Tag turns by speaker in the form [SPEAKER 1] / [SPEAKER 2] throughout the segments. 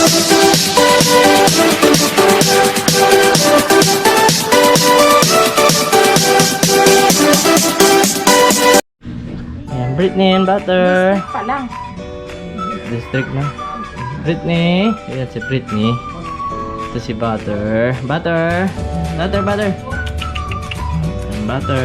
[SPEAKER 1] Ayan, Britney and Butter.
[SPEAKER 2] Pa lang.
[SPEAKER 1] District na. Britney. Ayan si Britney. Ito si Butter. Butter. Butter, Butter. Ayan, Butter.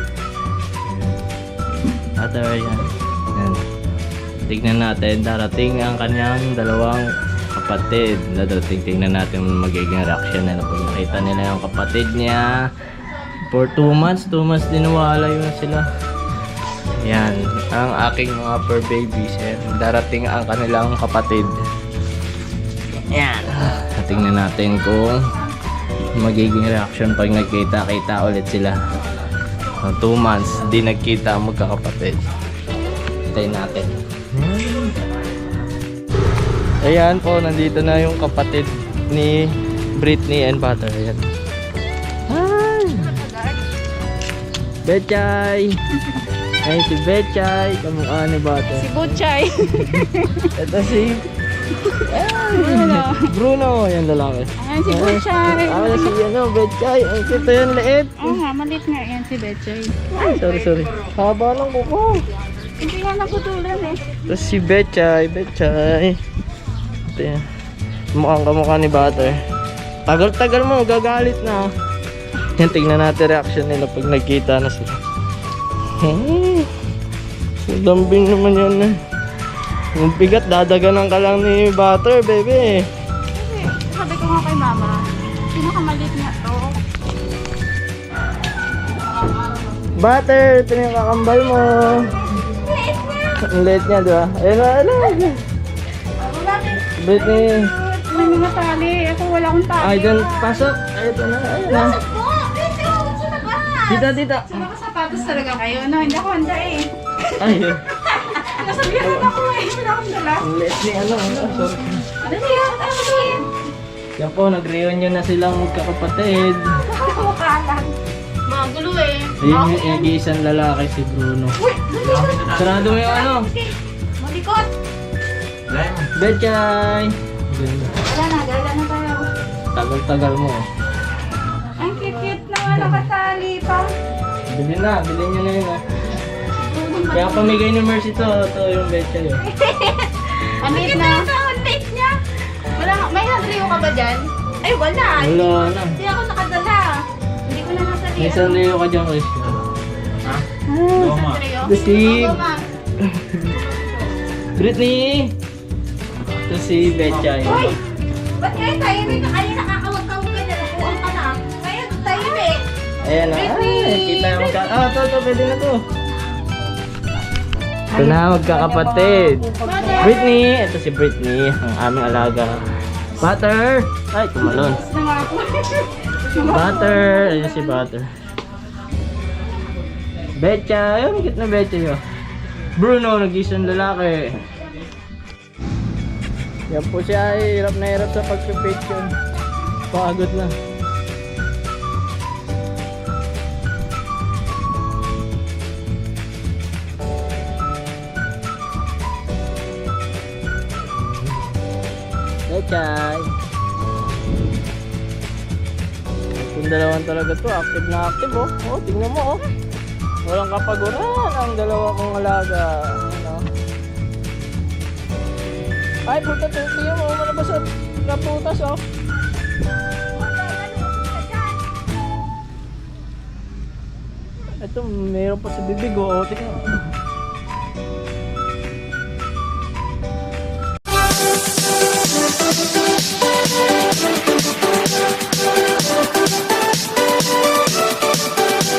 [SPEAKER 1] Butter, ayan. Ayan. Tignan natin. Darating ang kanyang dalawang kapatid. Tingnan natin magiging reaction nila pag nakita nila yung kapatid niya. For 2 months. 2 months din nawala yun sila. Yan, ang aking mga fur babies. Yan, darating ang kanilang kapatid. Yan. Tingnan natin kung magiging reaction pag nagkita-kita ulit sila. 2 months, di nagkita ang magkakapatid. Hintayin natin. Ayan po, nandito na yung kapatid ni Britney and Butter. Ayan. Hi! Betchay! Ay, si Betchay, kamukha ni Butter.
[SPEAKER 2] Si Butchay.
[SPEAKER 1] Ito si Bruno, yan lalaki.
[SPEAKER 2] Ayan si Butchay.
[SPEAKER 1] Ako si Betchay. Ang cute yan, liit.
[SPEAKER 2] Malit nga yan si Betchay.
[SPEAKER 1] Ay, sorry. Haba ng kuko.
[SPEAKER 2] Hindi nga naputulan eh.
[SPEAKER 1] Ito si Betchay. Ito yan. Mukhang kamukha ni Butter. Tagal-tagal mo, gagalit na. Yan, tingnan natin reaction nila pag nagkita na sila. Lambing naman yan eh. Yung bigat, dadaganan ka lang ni Butter, baby.
[SPEAKER 2] Kasi sabi ko nga kay mama, pinakamalit nga to.
[SPEAKER 1] Butter, ito na yung kakambal mo. Ang late niya, di ba? Ayun. Britney.
[SPEAKER 2] May mga tali. Ako wala akong tali.
[SPEAKER 1] Ay, dyan, pasok. Ayun na.
[SPEAKER 2] Pasok po! Dito na ba?
[SPEAKER 1] Dito.
[SPEAKER 2] Sa mga sapatos talaga kayo, no? Hindi ako handa eh.
[SPEAKER 1] Ay,
[SPEAKER 2] Nasabihan ako eh. Wala akong dala.
[SPEAKER 1] ang late ni sorry.
[SPEAKER 2] Ano siya? Ano siya?
[SPEAKER 1] Yan po, nag-reunion na silang magkakapatid.
[SPEAKER 2] Kumakalan. Mga gulo eh.
[SPEAKER 1] Ayun yung nag-iisang lalaki, si Bruno.
[SPEAKER 2] Uy!
[SPEAKER 1] Sarado mo yung
[SPEAKER 2] Malikot!
[SPEAKER 1] Betchay!
[SPEAKER 2] Gala na tayo.
[SPEAKER 1] Tagal-tagal mo.
[SPEAKER 2] Ang cute-cute naman nakasali pa.
[SPEAKER 1] Bilhin nyo na yun Kaya pamigay ni Mercy to yung Betchay.
[SPEAKER 2] Ang liit na. Ang liit niya. May nadriyo ka ba dyan? Ay wala.
[SPEAKER 1] Wala na.
[SPEAKER 2] Hindi ako nakadala. Hindi ko na nasali.
[SPEAKER 1] May sandayo ka dyan, Chris.
[SPEAKER 2] Ha? Sandayo?
[SPEAKER 1] The Steve.
[SPEAKER 2] Oo, ma.
[SPEAKER 1] Britney! Ito si Betchay.
[SPEAKER 2] Hoy! Ba't kayo tayo rin? Ay, nakakawag-kawag ka na. Nakuha ka na. Kaya tayo eh.
[SPEAKER 1] Ayan na. Ay, kita yung ito, pwede na to. Ito na, magkakapatid. Britney! Ito si Britney, ang aming alaga. Butter! Ay, tumalon. Butter! Ayan si Butter. Betchay! Ang cute na Betchay. Bruno, nag-isang lalaki. Yan po siya ay hirap na hirap sa pagpipicture. Pagod na. Betchay! Itong dalawan talaga to, active na active oh. Oh, tingnan mo oh. Walang kapaguran ang dalawa kong alaga. Ano? Ay, puta, tingnan mo, malabas at naputas oh. Ito, mayroon pa sa bibig oh. Tingnan mo.